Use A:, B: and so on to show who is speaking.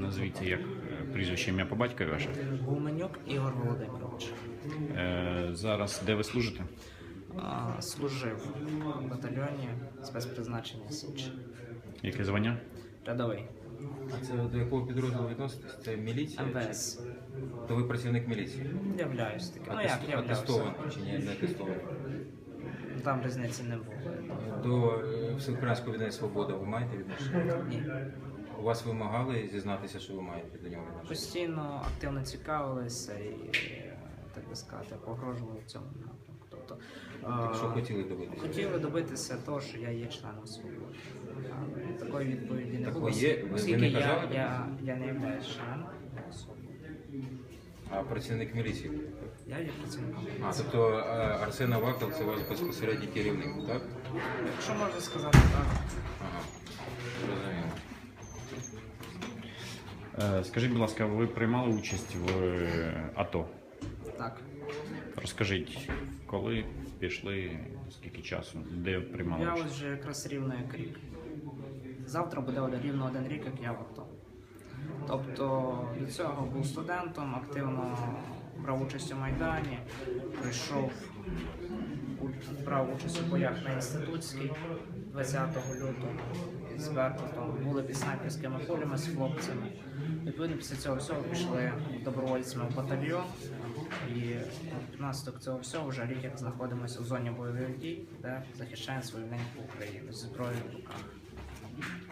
A: Назвіться, як прізвище, ім'я по батькові ваше.
B: Гуменюк Ігор Володимирович.
A: Зараз де ви служите?
B: Служив в батальйоні спецпризначення Січ.
A: Яке звання?
B: Рядовий.
C: А це до якого підрозділу відноситесь? Це міліція?
B: МВС.
C: То ви працівник міліції?
B: Являюсь таким. Ну як являвся?
C: Атестований чи ні, не атестований?
B: Там різниці не було.
C: До Всеукраїнського об'єднання «Свобода» ви маєте відношення?
B: Ні.
C: У вас вимагали зізнатися, що ви маєте до нього відношення?
B: Постійно активно цікавилися і, так би сказати, погрожували в цьому напрямку. Тобто,
C: Так що хотіли добитися?
B: хотіли добитися того, що я є членом «Свободи». Але такої відповіді не
C: Так
B: було.
C: ви є? Ви
B: Оскільки
C: не
B: я
C: казали?
B: не являюсь членом «Свободи».
C: А працівник міліції?
B: Я є працівником.
C: А, тобто Арсен Аваков – це ваш безпосередній керівник, так?
B: Якщо можна сказати так.
C: Ага, зрозуміло.
A: Скажіть, будь ласка, ви приймали участь в АТО?
B: Так.
A: Розкажіть, коли пішли, скільки часу, де приймали
B: Я
A: участь?
B: ось вже якраз рівно як рік. Завтра буде рівно 1 рік, як я в АТО. Тобто до цього був студентом, активно брав участь у Майдані, прийшов, брав участь у боях на Інститутській 20 лютого з Беркутом, були під снайперськими полями з хлопцями. Відповідно, після цього всього пішли добровольцями в батальйон і внаслідок цього всього вже рік як знаходимося в зоні бойових дій, де захищаємо свою неньку Україну зі зброєю в руках.